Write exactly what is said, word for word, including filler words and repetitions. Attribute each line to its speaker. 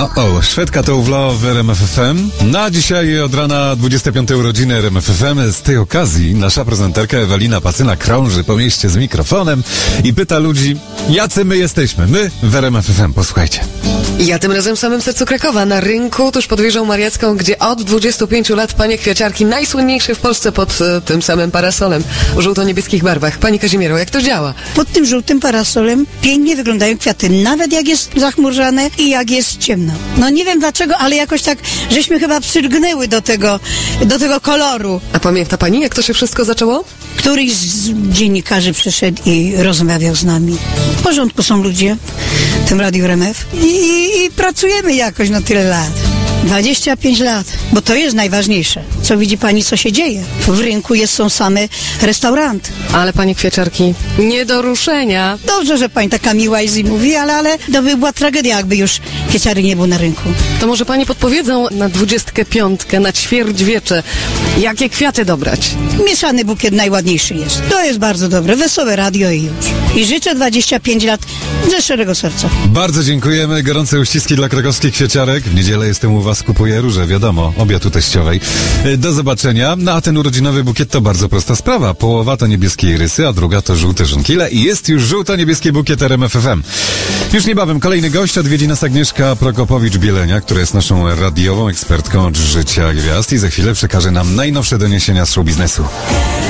Speaker 1: O, o, Szwedka to uwla w R M F F M. Na dzisiaj od rana dwudzieste piąte urodziny R M F F M. Z tej okazji nasza prezenterka Ewelina Pacyna krąży po mieście z mikrofonem i pyta ludzi, jacy my jesteśmy. My w R M F F M. Posłuchajcie.
Speaker 2: Ja tym razem w samym sercu Krakowa, na rynku tuż pod wieżą mariacką, gdzie od dwudziestu pięciu lat panie kwiaciarki, najsłynniejsze w Polsce pod e, tym samym parasolem w żółto-niebieskich barwach. Pani Kazimiero, jak to działa?
Speaker 3: Pod tym żółtym parasolem pięknie wyglądają kwiaty, nawet jak jest zachmurzane i jak jest ciemno. No nie wiem dlaczego, ale jakoś tak, żeśmy chyba przylgnęły do tego, do tego koloru.
Speaker 2: A pamięta pani, jak to się wszystko zaczęło?
Speaker 3: Któryś z dziennikarzy przyszedł i rozmawiał z nami. W porządku są ludzie w tym Radiu R M F i, i, i pracujemy jakoś na tyle lat. dwadzieścia pięć lat, bo to jest najważniejsze. Co widzi pani, co się dzieje? W rynku jest, są same restauranty.
Speaker 2: Ale panie kwiaciarki, nie do ruszenia.
Speaker 3: Dobrze, że pani taka miła i mówi, ale, ale to by była tragedia, jakby już kwieciary nie było na rynku.
Speaker 2: To może pani podpowiedzą na dwudziestkę piątkę, na ćwierćwiecze, jakie kwiaty dobrać?
Speaker 3: Mieszany bukiet najładniejszy jest. To jest bardzo dobre, wesołe radio i już. I życzę dwadzieścia pięć lat ze szczerego serca.
Speaker 1: Bardzo dziękujemy. Gorące uściski dla krakowskich kwieciarek. W niedzielę jestem u was, kupuję róże, wiadomo, obiad u teściowej. Do zobaczenia. No a ten urodzinowy bukiet to bardzo prosta sprawa. Połowa to niebieskie irysy, a druga to żółte żonkile i jest już żółto-niebieski bukiet R M F F M. Już niebawem kolejny gość, odwiedzi nas Agnieszka Prokopowicz-Bielenia, która jest naszą radiową ekspertką od życia gwiazd i za chwilę przekaże nam najnowsze doniesienia z show biznesu.